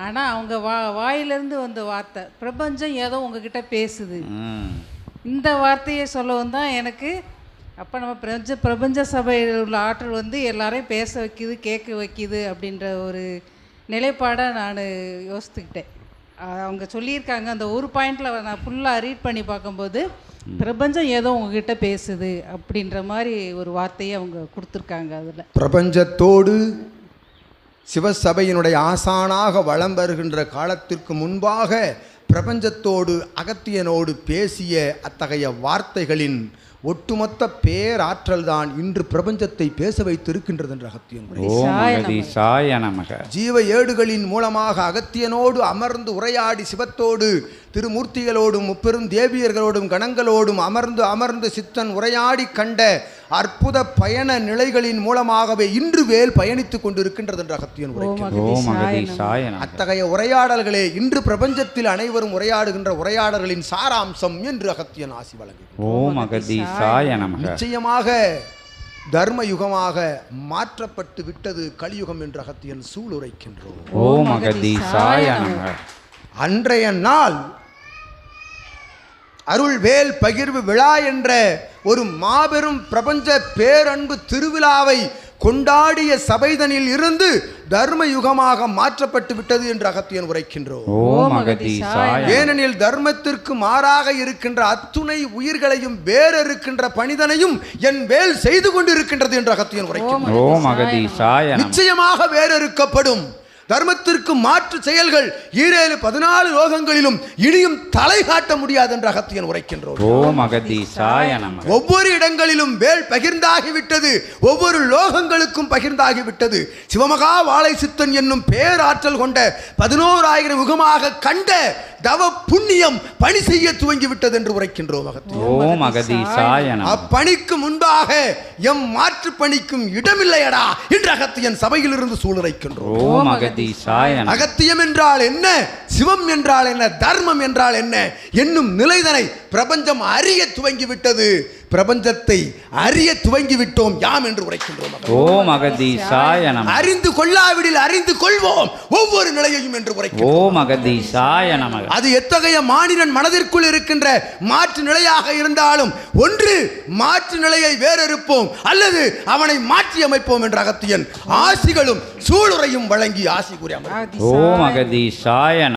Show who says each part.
Speaker 1: ஆனால் அவங்க வாயிலிருந்து வந்த வார்த்தை பிரபஞ்சம் ஏதோ உங்ககிட்ட பேசுது. இந்த வார்த்தையை சொல்லவும் தான் எனக்கு அப்போ நம்ம பிரபஞ்ச சபையில் உள்ள ஆற்றல் வந்து எல்லாரையும் பேச வைக்கிது, கேட்க வைக்கிது அப்படின்ற ஒரு நிலைப்பாடை நான் யோசித்துக்கிட்டேன். அவங்க சொல்லியிருக்காங்க அந்த ஒரு பாயிண்டில் நான் ஃபுல்லாக ரீட் பண்ணி பார்க்கும்போது பிரபஞ்சம் ஏதோ உங்ககிட்ட பேசுது அப்படின்ற மாதிரி ஒரு வார்த்தையை அவங்க கொடுத்துருக்காங்க. அதில்
Speaker 2: பிரபஞ்சத்தோடு சிவசபையினுடைய ஆசானாக வலம் வருகின்ற காலத்திற்கு முன்பாக பிரபஞ்சத்தோடு அகத்தியனோடு பேசிய அத்தகைய வார்த்தைகளின் ஒட்டுமொத்த பேராற்றல் தான் இன்று பிரபஞ்சத்தை பேச வைத்திருக்கின்றது என்று அகத்தியன். ஜீவ ஏடுகளின் மூலமாக அகத்தியனோடு அமர்ந்து உரையாடி சிவத்தோடு திருமூர்த்திகளோடும் முப்பெரும் தேவியர்களோடும் கணங்களோடும் அமர்ந்து சித்தன் உரையாடி கண்ட அற்புத பயண நிலைகளின் மூலமாகவே இன்று வேல் பயணித்துக் கொண்டிருக்கின்றது என்று அகத்தியன் உரைக்கின்றார். அத்தகைய உரையாடல்களே இன்று பிரபஞ்சத்தில் அனைவரும் உரையாடுகின்ற உரையாடல்களின் சாராம்சம் என்று அகத்தியன் ஆசி வழங்குகிறார். நிச்சயமாக தர்ம யுகமாக மாற்றப்பட்டு விட்டது கலியுகம் என்று அகத்தியன் சூளுரைக்கின்றோம். அன்றைய நாள் அருள் வேல் பகிர்வு விழா என்ற ஒரு மாபெரும் பிரபஞ்ச பேரன்பு திருவிழாவை கொண்டாடிய சபைதனில் இருந்து தர்ம யுகமாக மாற்றப்பட்டு விட்டது என்று அகத்தியன் உரைக்கின்றோம். ஏனெனில் தர்மத்திற்கு மாறாக இருக்கின்ற அத்துணை உயிர்களையும் வேறிருக்கின்ற பணிதனையும் என் வேல் செய்து கொண்டிருக்கின்றது என்று அகத்தியன் உரைக்கின்றோம். நிச்சயமாக வேறிருக்கப்படும் தர்மத்திற்கு மாற்று செயல்கள் 14 லோகங்களிலும் இனியும் தலை காட்ட முடியாது என்று அகத்தியன் உரைக்கின்றோம். ஒவ்வொரு இடங்களிலும் வேல் பகிர்ந்தாகிவிட்டது, ஒவ்வொரு லோகங்களுக்கும் பகிர்ந்தாகிவிட்டது. சிவமகா வாழை சித்தன் என்னும் பேராற்றல் கொண்ட 11,000 யுகமாக கண்ட தவ புண்ணியம் பணி செய்ய துவங்கிவிட்டது என்று உரைக்கின்றோம். அப்பணிக்கு முன்பாக எம் மாற்று பணிக்கும் இடமில்லையடா என்று அகத்தியன் சபையிலிருந்து சூளுரைக்கின்றோம். அகத்தியம் என்றால் என்ன, சிவம் என்றால் என்ன, தர்மம் என்றால் என்ன என்னும் நிலைதனை பிரபஞ்சம் அறிய துவங்கிவிட்டது. பிரபஞ்சத்தை அறிய துவங்கிவிட்டோம் யாம் என்று உரைக்கின்றோம். அறிந்து கொள்ளாவிடில் அறிந்து கொள்வோம் ஒவ்வொரு நிலையையும் என்று உரைக்கின்றோம். அது எத்தகைய மானிடன் மனதிற்குள் இருக்கின்ற மாற்று நிலையாக இருந்தாலும் ஒன்று மாற்று நிலையை வேறறுப்போம் அல்லது அவனை மாற்றி அமைப்போம் என்ற அகத்தியன் ஆசிகளும் சூளுரையும் வழங்கி ஆசி கூறி